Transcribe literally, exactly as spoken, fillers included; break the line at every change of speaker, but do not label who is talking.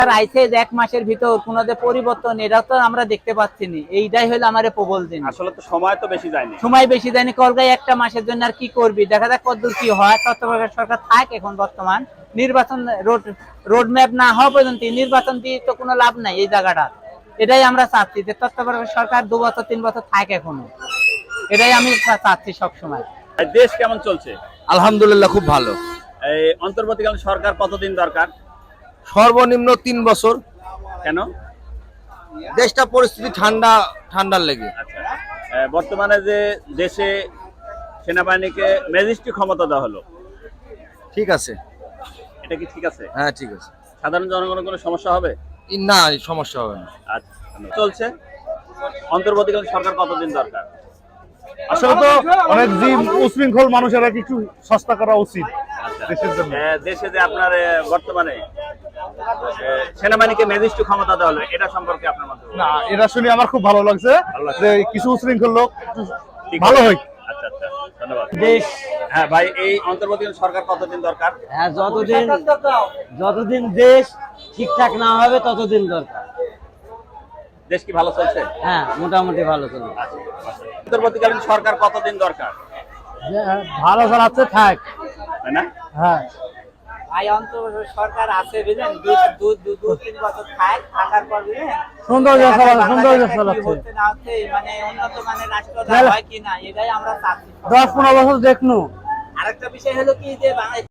আইছে যে এক মাসের ভিতর কোনো যে পরিবর্তন এটা তো আমরা দেখতে পাচ্ছি না। এইটাই হলো আমার প্রবল দিন।
আসলে তো সময় তো বেশি যায়নি।
সময় বেশি যায়নি, কলকাতায় একটা মাসের জন্য আর কি করবি, দেখা যাক কতদূর কি হয়। তত্ত্বাবধায়ক সরকার থাক এখন বর্তমান, নির্বাচন রোড রোড ম্যাপ না হওয়া পর্যন্ত নির্বাচন দিয়ে তো কোনো লাভ নাই এই জায়গাটা। এটাই আমরা চাচ্ছি যে তত্ত্বাবধায়ক সরকার দু বছর তিন বছর থাক এখনো, এটাই আমি চাচ্ছি সবসময়।
দেশ কেমন চলছে?
আলহামদুলিল্লাহ খুব ভালো।
এই অন্তর্বর্তীকালীন সরকার কতদিন দরকার?
সর্বনিম্ন তিন বছর।
কেন?
দেশটা পরিস্থিতি ঠান্ডা ঠান্ডার লেগে।
আচ্ছা, আহ, বর্তমানে যে দেশে সেনাবাহিনীকে ম্যাজিস্ট্রেট ক্ষমতা দেওয়া হলো,
ঠিক আছে,
এটা কি ঠিক আছে?
হ্যাঁ ঠিক আছে।
সাধারণ জনগণের কোনো সমস্যা হবে?
ই- না সমস্যা হবে না।
আচ্ছা, চলছে। অন্তর্বর্তীকালীন সরকার কতদিন দরকার?
আসলে তো অনেক যে উশৃঙ্খল মানুষেরা কিছু সস্তা করা উচিত
আচ্ছা,
দেশের জন্য।
আহ, দেশে যে আপনার আহ, বর্তমানে আহ, সেনাবাহিনীকে ম্যাজিস্ট্রেট ক্ষমতা দেওয়া হলো, এটা সম্পর্কে আপনার মন্তব্য?
না, এটা শুনে আমার খুব ভালো লাগছে
ভালো লাগছে।
যে কিছু উশৃঙ্খল লোক একটু
ঠিক
ভালো
আছে।
হয়।
আচ্ছা আচ্ছা, ধন্যবাদ।
দেশ
হ্যাঁ ভাই, এই অন্তর্বর্তীকালীন সরকার কতদিন দরকার?
হ্যাঁ, যতদিন যতদিন দেশ ঠিকঠাক না হবে ততদিন দরকার।
দেশ কি ভালো চলছে?
হ্যাঁ, মোটামুটি ভালো চলবে।
আচ্ছা, অন্তর্বর্তীকালীন সরকার কতদিন দরকার?
ভালো চালাচ্ছে থাক।
তাই না?
হ্যাঁ, ভাই অন্তর্বর্তী সরকার আছে বুঝলেন, দু দু দু দু তিন বছর থাক, থাকার পর বুঝলেন
সুন্দর
দেখা যায়
চালাচ্ছে, সুন্দর
বাংলাদেশটা কি
চালাচ্ছে।
হচ্ছে না হচ্ছে, মানে উন্নত মানের রাষ্ট্র
তাহলে-
হয় কিনা এটাই আমরা চাচ্ছি।
দশ পনেরো বছর দেখনু।
আরেকটা বিষয় হলো কি যে বাংলাদেশ